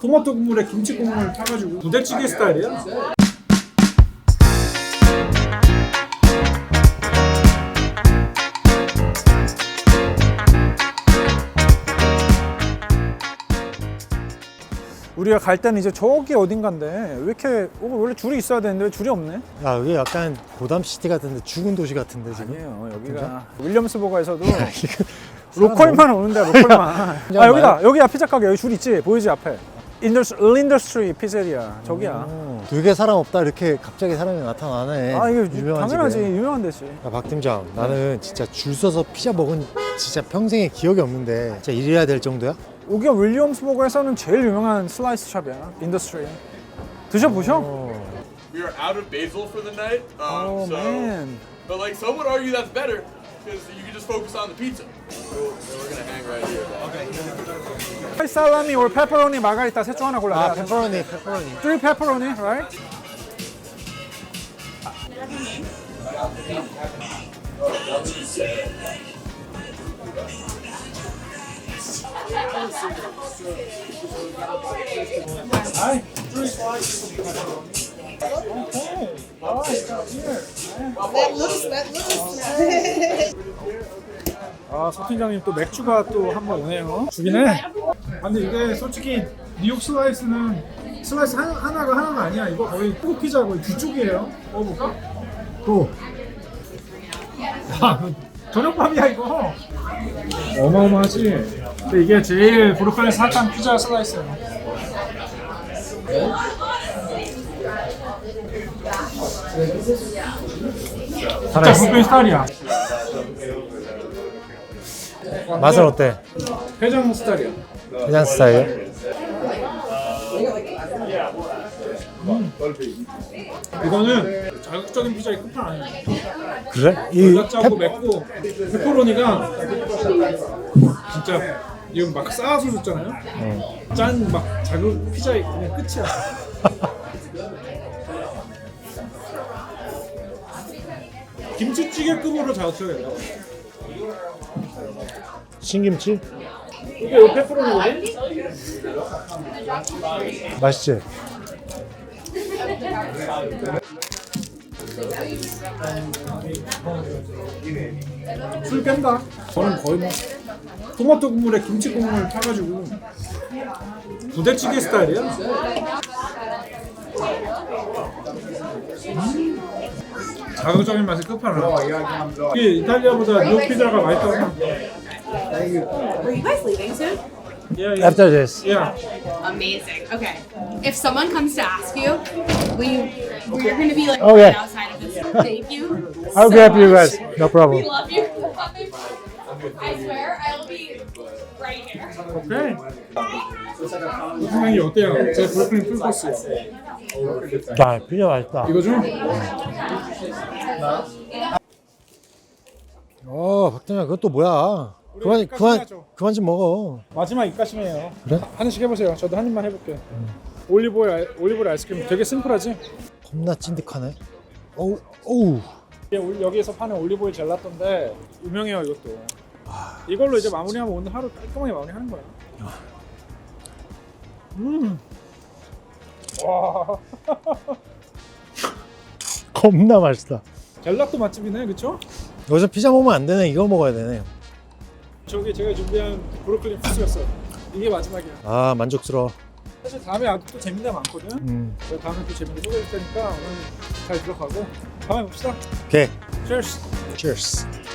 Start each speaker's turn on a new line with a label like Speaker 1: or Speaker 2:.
Speaker 1: 토마토 국물에 김치 국물 타가지고 부대찌개 스타일이야. 우리가 갈 때는 이제 저기 어딘가인데 왜 이렇게 원래 줄이 있어야 되는데 왜 줄이 없네?
Speaker 2: 야, 여기 약간 고담시티 같은데 죽은 도시 같은데 지금.
Speaker 1: 아니에요. 여기가 윌리엄스버거에서도 로컬만 오는데 로컬만. 아 여기다. 여기야 피자 가게. 여기 줄 있지? 보이지 앞에? 린더스트리 피자리아. 저기야.
Speaker 2: 되게 사람 없다 이렇게 갑자기 사람이 나타나네.
Speaker 1: 아 이거
Speaker 2: 유명한
Speaker 1: 당연하지.
Speaker 2: 집에.
Speaker 1: 유명한 데지.
Speaker 2: 야, 박 팀장, 나는 진짜 줄 서서 피자 먹은 진짜 평생에 기억이 없는데 진짜 이래야 될 정도야?
Speaker 1: 여기가 윌리엄스버거에서는 제일 유명한 슬라이스 샵이야. 인더스트리. 드셔보셔.
Speaker 3: We are out of basil for the night.
Speaker 1: Oh man.
Speaker 3: But like some would argue that's better because you can just focus on the pizza. So we're gonna hang right here. Okay.
Speaker 1: 살라미 or 페퍼로니 마가리타 셋 중 하나 골라.
Speaker 2: 아, 페퍼로니.
Speaker 1: 3 페퍼로니, right? Hi. 3 slices of pepperoni. Okay. All right, got here.
Speaker 4: That looks.
Speaker 1: 아, 서 팀장님 또 맥주가 또 한 번 오네요. 죽이네. 근데 이게 솔직히 뉴욕 슬라이스는 슬라이스 하나가 아니야. 이거 거의 꼭 피자 거의 뒤쪽이에요. 먹어볼까? 또. 야, 저녁밥이야 이거. 어마어마하지. 근데 이게 제일 브루클린에서 핫한 피자 슬라이스예요. 진짜 브루클린 스타일이야.
Speaker 2: 맛은 어때?
Speaker 1: 회장 스타일이야.
Speaker 2: 해장 스타일?
Speaker 1: 이거는 자극적인 피자의 끝판 아니야.
Speaker 2: 그래?
Speaker 1: 짜고 맵고 페퍼로니가 진짜 이거 막 쌓아서 줬잖아요. 짠 막 자극 피자의 그냥 끝이야. 김치찌개급으로 자극적이야.
Speaker 2: 신김치?
Speaker 1: 이게 요 페퍼로니거든?
Speaker 2: 맛있지?
Speaker 1: 술 깬다. 저는 거의 뭐 토마토 국물에 김치 국물 타가지고 부대찌개 스타일이야. 자극적인 맛이 끝판왕. 이게 이탈리아보다 뉴욕 피자가 맛있다고 생각해.
Speaker 4: Are you guys leaving soon?
Speaker 2: After this.
Speaker 1: Yeah.
Speaker 4: Amazing. Okay. If someone comes to ask you, we're going to be like
Speaker 2: Okay.
Speaker 4: right outside of this. Thank you.
Speaker 2: I'll
Speaker 4: so
Speaker 2: grab you
Speaker 4: much.
Speaker 2: guys. No problem.
Speaker 4: We love you. I swear I'll be right here.
Speaker 1: 오케이. 선생님이 어때요? 제 브로콜리 풀코스요.
Speaker 2: 야, 피자 맛있다.
Speaker 1: 이거 좀?
Speaker 2: 박 팀장, 그것도 뭐야? 그만 좀 먹어.
Speaker 1: 마지막 입가심이에요.
Speaker 2: 그래?
Speaker 1: 하나씩 해보세요. 저도 한 입만 해볼게요. 올리브오일 아이스크림 되게 심플하지?
Speaker 2: 겁나 찐득하네. 어우.
Speaker 1: 이게 여기에서 파는 올리브오일 젤라또인데 유명해요 이것도. 이걸로 이제 마무리하면 오늘 하루 깔끔하게 마무리하는 거야. 와.
Speaker 2: 겁나 맛있다.
Speaker 1: 젤라또 맛집이네, 그쵸?
Speaker 2: 여기서 피자 먹으면 안 되네. 이거 먹어야 되네.
Speaker 1: 저기 제가 준비한 브로콜리 피스였어요. 이게 마지막이야.
Speaker 2: 아, 만족스러워.
Speaker 1: 사실 다음에 아주 또 재밌는 데 많거든. 그래서 다음에 또 재밌는 거 소개해줄 테니까 오늘 잘 들어가고 다음에 봅시다.
Speaker 2: 오케이.
Speaker 1: Cheers.
Speaker 2: Cheers.